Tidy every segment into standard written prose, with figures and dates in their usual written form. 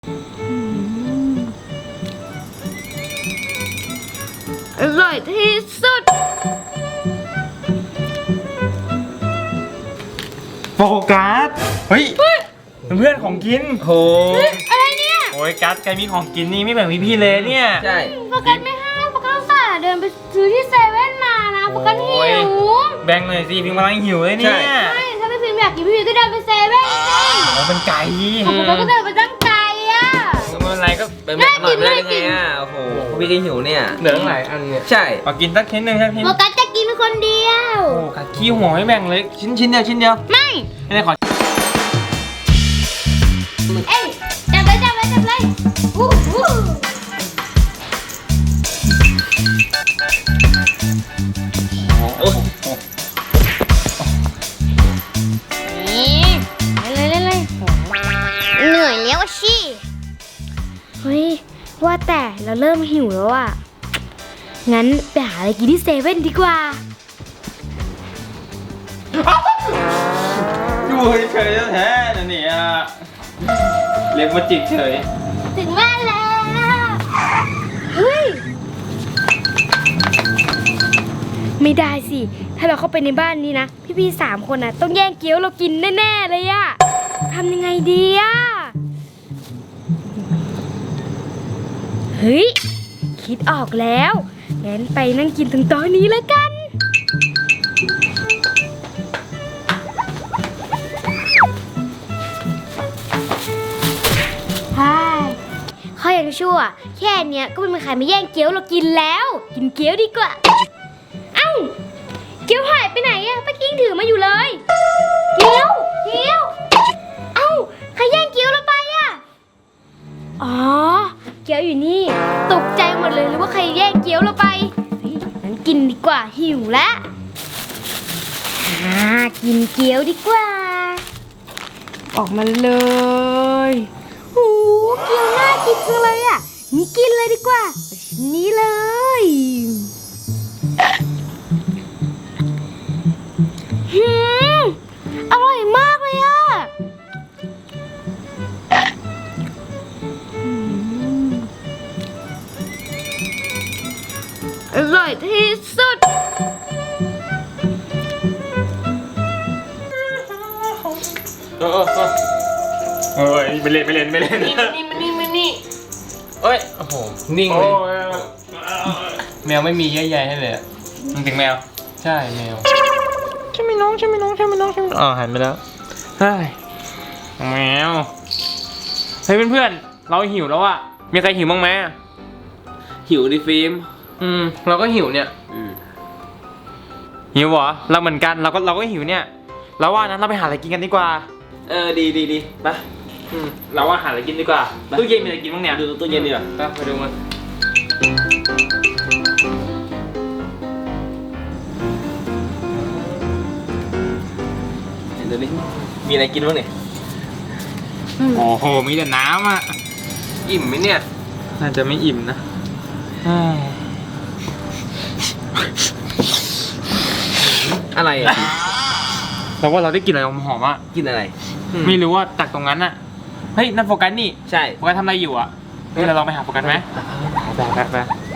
อร่อยที่สุดโฟกัสเฮ้ยเพื่อนของกินโหอะไรเนี่ยโอ้ยกัสแกมีของกินนี่ไม่แบ่งพี่เลยเนี่ยใช่โฟกัสไม่ให้โฟกัสอุตส่าห์เดินไปซื้อที่เซเว่นมานะโฟกัสหิวแบ่งหน่อยสิพิมกำลังหิวเลยเนี่ยใช่ถ้าพี่พิมอยากกินพี่พิมก็เดินไปเซเว่นโอ้เป็นไก่โฟกัสก็เดินไปตั้งไกลอ่ะไม่เป็นไรก็เป็นแบบอร่อยไม่ได้ไงอ่ะโอ้โหพี่ก็หิวเนี่ยเหลือหลายอันเนี่ยใช่ขอกินสักชิ้นหนึ่งครับพิมโฟกัสจะกินคนเดียวโอ้กัดขี้หัวให้แบ่งเลยชิ้นเดียวไม่ไม่ได้ขอเอ้ยจับเลยอู้หูนี่เล่นเหนื่อยแล้วชิเฮ้ยว่าแต่เราเริ่มหิวแล้วอ่ะงั้นไปหาอะไรกินที่เซเว่นดีกว่าอยู่เฉยแท้ๆนะเนี่ยเล็บมาจิกเฉยถึงบ้านแล้วเฮ้ยไม่ได้สิถ้าเราเข้าไปในบ้านนี้นะพี่ๆ3 คนนะต้องแย่งเกี๊ยวเรากินแน่ๆเลยอะทำยังไงดีอะเฮ้ยคิดออกแล้วงั้นไปนั่งกินตรงโต๊ะนี้แล้วกันข้อยังชั่วแค่เนี้ยก็ไม่มีใครมาแย่งเกี๊ยวเรากินแล้วกินเกี๊ยวดีกว่าเอ้าเกี๊ยวหายไปไหนอะป้ากิ้งถือมาอยู่เลยเกี๊ยวเอ้าใครแย่งเกี๊ยวเราไปอะอ๋อเกี๊ยวอยู่นี่ตกใจหมดเลยหรือว่าใครแย่งเกี๊ยวเราไปงั้นกินดีกว่าหิวแล้วกินเกี๊ยวดีกว่าออกมาเลยโอ้เกี๊ยวน่ากินจังเลยอ่ะนี่กินเลยดีกว่าชิ้นนี้เลยอร่อยมากเลยอ่ะอร่อยที่สุดเฮ้ยไปเล่นนี่เอ้ยโอ้โหนิ่งเลยแมวไม่มีเยอะแยะให้เลยมันถึงแมวใช่แมวใช่ไหมน้องอ๋อหันไปแล้วเฮ้ยแมวเฮ้ยเพื่อนๆเราหิวแล้วอะมีใครหิวบ้างไหมหิวดิฟิล์มเราก็หิวเนี่ยหิวเหรอเราเหมือนกันเราก็หิวเนี่ยเราว่านั้นเราไปหาอะไรกินกันดีกว่าดีไปเราว่าหาอะไรกินดีกว่าตู้เย็นมีอะไรกินบ้างเนี่ยดูตู้เย็นดีกว่าไปดูมันดูดิมีอะไรกินบ้างเนี่ยโอ้โหมีแต่น้ำอ่ะอิ่มไหมเนี่ยน่าจะไม่อิ่มนะอะไรอ่ะเราว่าเราได้กลิ่นอะไรหอมๆอ่ะกินอะไรไม่รู้ว่าจากตรงนั้นอ่ะเฮ้ยนั่นโฟกัสนี่ใช่โฟกัสทำอะไรอยู่อ่ะเราลองไปหาโฟกัสไหมไป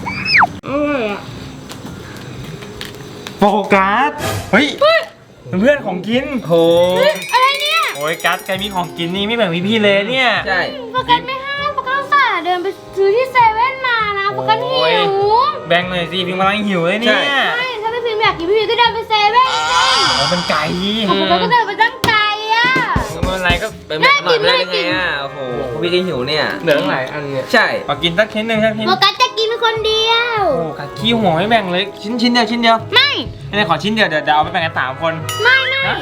โฟกัสเฮ้ยเพื่อนของกินโหอะไรเนี่ยโอ้ยกัสแกมีของกินนี่ไม่แบ่งพี่เลยเนี่ยใช่โฟกัสไม่ให้โฟกัสอุตส่าห์เดินไปซื้อที่เซเว่นมานะโฟกัสหิวแบ่งหน่อยสิพิมกำลังหิวเลยเนี่ยใช่ถ้าพี่พิมอยากกินพี่พิมก็เดินไปเซเว่นโอ้เป็นไก่โฟกัสก็เดินไปตั้งไกลอ่ะไม่เป็นไรก็เป็นแบบอร่อยไม่ได้ไงอ่ะโอ้โหพี่ก็หิวเนี่ยเหลือหลายอันเนี่ยใช่ขอกินสักชิ้นหนึ่งครับพิมโฟกัสจะกินคนเดียวโอ้กัดขี้หัวให้แบ่งเลยชิ้นเดียวไม่ได้ขอชิ้นเดียวเดี๋ยวเอาไปแบ่งกัน3 คนไม่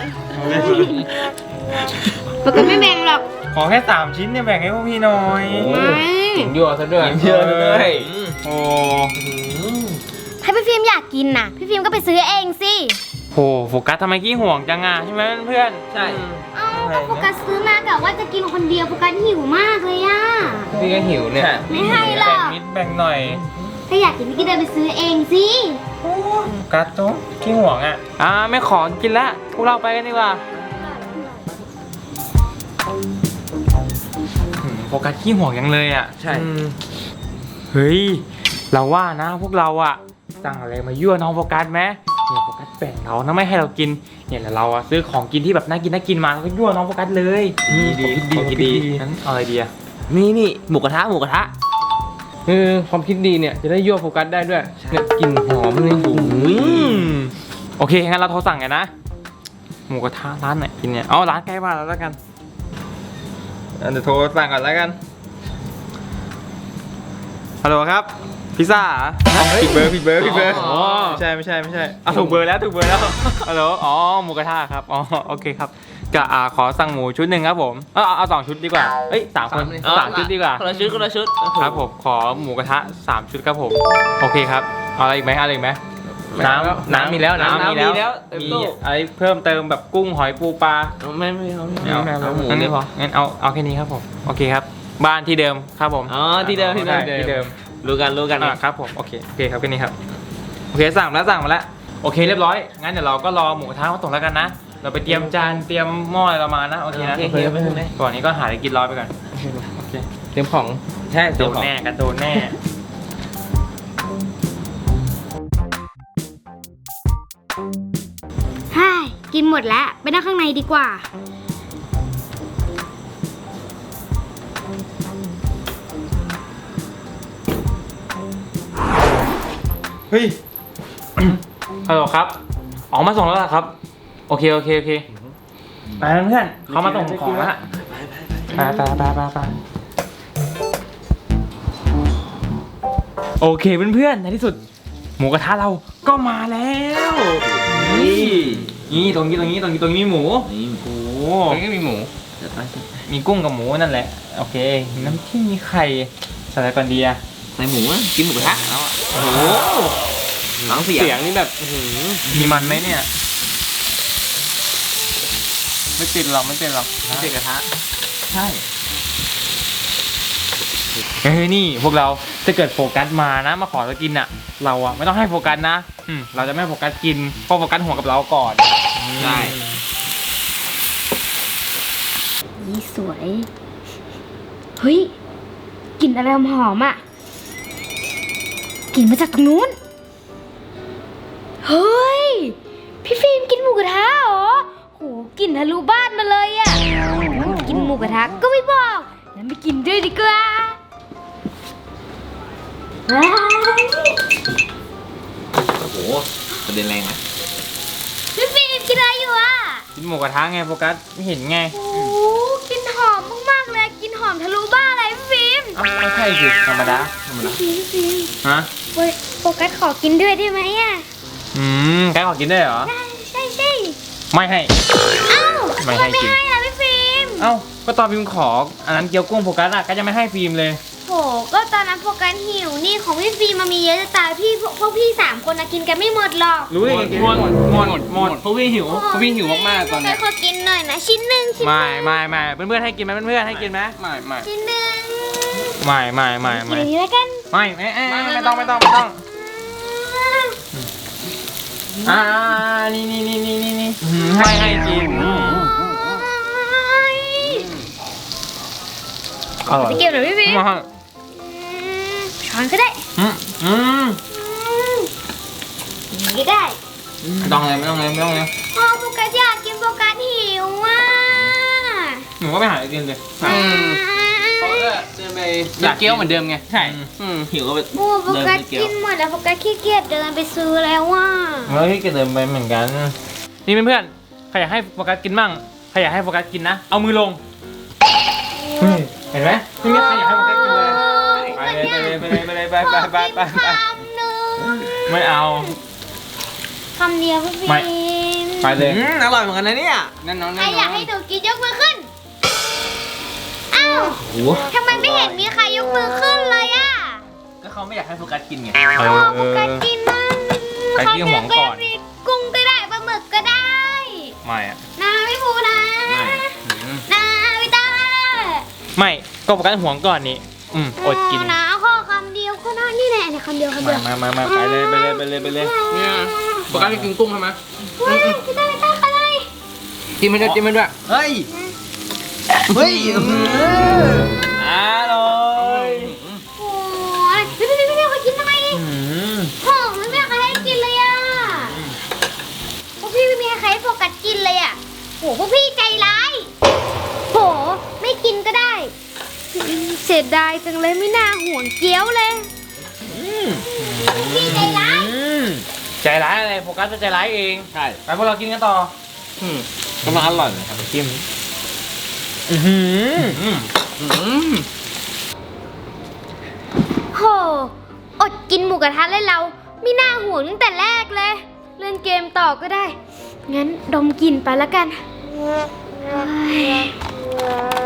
โฟกัสไม่แบ่งหรอกขอแค่3 ชิ้นเนี่ยแบ่งให้พวกพี่หน่อยหิวยั่วซะด้วยโอ้ถ้าพี่ฟิล์มอยากกินน่ะพี่ฟิล์มก็ไปซื้อเองสิโหโฟกัสทำไมขี้ห่วงจังอ่ะใช่ไหมเพื่อนใช่ก็โฟกัสซื้อมากะว่าจะกินคนเดียวโฟกัสหิวมากเลยอ่ะพี่ก็หิวเนี่ยไม่ให้หรอกแบ่งหน่อยถ้าอยากกินพี่ก็เดินไปซื้อเองสิกัดโต๊ะขี้ห่วงอ่ะไม่ขอกินละพวกเราไปกันดีกว่าโฟกัสขี้ห่วงยังเลยอ่ะใช่เฮ้ยเราว่านะพวกเราอ่ะสั่งอะไรมายั่วน้องโฟกัสไหมเนี่ยโฟกัสแบ่งเรานะไม่ให้เรากินเนี่ยแล้วเราอ่ะซื้อของกินที่แบบน่ากินมาแล้วก็ยั่วน้องโฟกัสเลยดีของกินดีงั้นเอาอะไรดีอ่ะนี่หมูกระทะความคิดดีเนี่ยจะได้ยั่วโฟกัสได้ด้วยเนี่ยกลิ่นหอมเลยโอเคงั้นเราโทรสั่งกันนะหมูกระทะร้านไหนกินเนี่ยเอาร้านใกล้บ้านเราแล้วกันเดี๋ยวโทรสั่งก่อนแล้วกันฮัลโหลครับพิซซ่าผิดเบอร์ไม่ใช่ถูกเบอร์แล้วฮัลโหลอ๋อหมูกระทะครับอ๋อโอเคครับก็ขอสั่งหมูชุดหนึ่งครับผมเอา2 ชุดดีกว่าเอ้ย3 คน3 ชุดดีกว่าคนละชุดครับผมขอหมูกระทะ3 ชุดครับผมโอเคครับเอาอะไรอีกไหมน้ำมีแล้วมีอะไรเพิ่มเติมแบบกุ้งหอยปูปลาไม่เอาหมูนี่พองั้นเอาแค่นี้ครับผมโอเคครับบ้านที่เดิมครับผมอ๋อที่เดิม รู้กันครับผมโอเคครับแค่นี้ครับโอเคสั่งมาแล้วโอเคเรียบร้อยงั้นเดี๋ยวเราก็รอหมูกระทะมาส่งแล้วกันนะเราไปเตรียมจานเตรียมหม้ออะไรเรามานะโอเคนะก่อนนี้ก็หาอะไรกินรอไปก่อนโอเคเตรียมของใช่โดนแน่กันโดนแน่ฮ่ากินหมดแล้วไปนั่งข้างในดีกว่าเฮ้ย ฮัลโหลครับออกมาส่งแล้วเหรอครับโอเคไปเพื่อนเขามาส่งของแล้วไปโอเคเพื่อนในที่สุดหมูกระทะเราก็มาแล้วนี่ตรงนี้มีหมูนี่โอ้ตรงนี้ก็มีหมูมีกุ้งกับหมูนั่นแหละโอเคมีน้ำจิ้มมีไข่ใส่อะไรก่อนดีอะใส่หมูกินหมูกระทะแล้วโอ้โหน้องเสียงนี่แบบมีมันไหมเนี่ยไม่ติดหรอกไม่ใช่กระทะใช่เฮ้ยนี่พวกเราจะเกิดโฟกัสมานะมาขอเรากินอ่ะเราอ่ะไม่ต้องให้โฟกัสนะเราจะไม่ให้โฟกัสกินเพราะโฟกัสห่วงกับเราก่อนใช่นี่สวย เฮ้ยกลิ่นอะไรหอมๆอ่ะกลิ่นมาจากตรงนู้น เฮ้ย พี่ฟิล์มกินหมูกระทะเหรอโหกลิ่นทะลุบ้านมาเลยอ่ะกินหมูกระทะก็ไม่บอกงั้นไปกินด้วยดีกว่าว้าวโอ้โหประเด็นแรงนะพี่ฟิล์มกินอะไรอยู่อ่ะกินหมูกระทะไงโฟกัสไม่เห็นไงโอ้กลิ่นหอมมากๆเลยกลิ่นหอมทะลุบ้านเลยพี่ฟิล์มไม่ใช่สิธรรมดาพี่ฟิล์มฮะโฟกัสขอกินด้วยได้ไหมอ่ะแกขอกินได้เหรอใช่ไม่ให้เอ้าไม่ให้ทำกินไม่ให้ล่ะพี่ฟิล์มเอ้าก็ตอนพิมพ์ขออันนั้นเกี๊ยวกุ้งโฟกัสอะก็จะไม่ให้ฟิล์มเลยโหก็ตอนนั้นโฟกัสหิวนี่ของพี่ฟิล์มมันมีเยอะจะตายพวกพี่3 คนนะกินกันไม่หมดหรอกรู้ได้ไงกินไม่หมดเพราะพี่หิวเพราะพี่หิวมากๆตอนเนี้ยขอกินหน่อยนะชิ้นหนึ่งไม่เพื่อนๆให้กินไหมเพื่อนๆให้กินไหมไม่ชิ้นหนึ่งไม่กินอันนี้แล้วกันไม่ต้องนี่ให้กินอร่อยจะเก็บหน่อยพี่ฟิล์มช้อนก็ได้นี่ก็ได้ไม่ต้องเลยอ๋อโฟกัสอยากกินโฟกัสหิวอ่ะหนูก็ไปหากินเลยเขาก็เดินไปอยากเกี๊ยวเหมือนเดิมไงใช่หิวก็ไปโอ้โฟกัสกินหมดแล้วโฟกัสขี้เกียจเดินไปซื้อแล้วว่ะแล้วที่เดินไปเหมือนกันนี่เพื่อนๆใครอยากให้โฟกัสกินมั่งใครอยากให้โฟกัสกินนะเอามือลงเห็นไหมไม่มีใครอยากให้โฟกัสกินเลยไปคำหนึ่งไม่เอาคำเดียวพี่ฟิไม่ล์มไปเลยอร่อยเหมือนกันนะเนี่ยนั่นน้องใครอยากให้หนูกินยกมือขึ้น อ้าวโอ้โหทำไมไม่เห็นมีใครยกมือขึ้นเลยอ่ะก็เขาไม่อยากให้โฟกัสกินไงโอ้โฟกัสกินนั่นใครที่ห่วงก่อนกุ้งก็ได้ปลาหมึกก็ได้ไม่อะนะพี่ภูนะนะพี่ตาไม่ก็โฟกัสห่วงก่อนนี่อดกินนะขอคำเดียวก็ได้นี่แหละเนี่ยคำเดียวมาไปเลยเนี่ยโฟกัสไปกินกุ้งใช่ไหมว้ายพี่ตาอะไรจิ้มมันด้วยเฮ้ยร่อยโอ้ยไม่มีใครกินทำไมหอมไม่มีใครให้กินเลยอ่ะพวกพี่ไม่มีใครให้โฟกัสกินเลยอ่ะโหพวกพี่ใจร้ายโหไม่กินก็ได้เสียดายจังเลยไม่น่าห่วงเกี๊ยวเลยพวกพี่ใจร้ายใจร้ายอะไรโฟกัสจะใจร้ายเองใช่ไปพวกเรากินกันต่อกำลังอร่อยเลยครับจิ้มโหอดกินหมูกระทะเลยเราไม่น่าห่วงตั้งแต่แรกเลยเล่นเกมต่อก็ได้งั้นดมกลิ่นไปแล้วกันเฮ้ย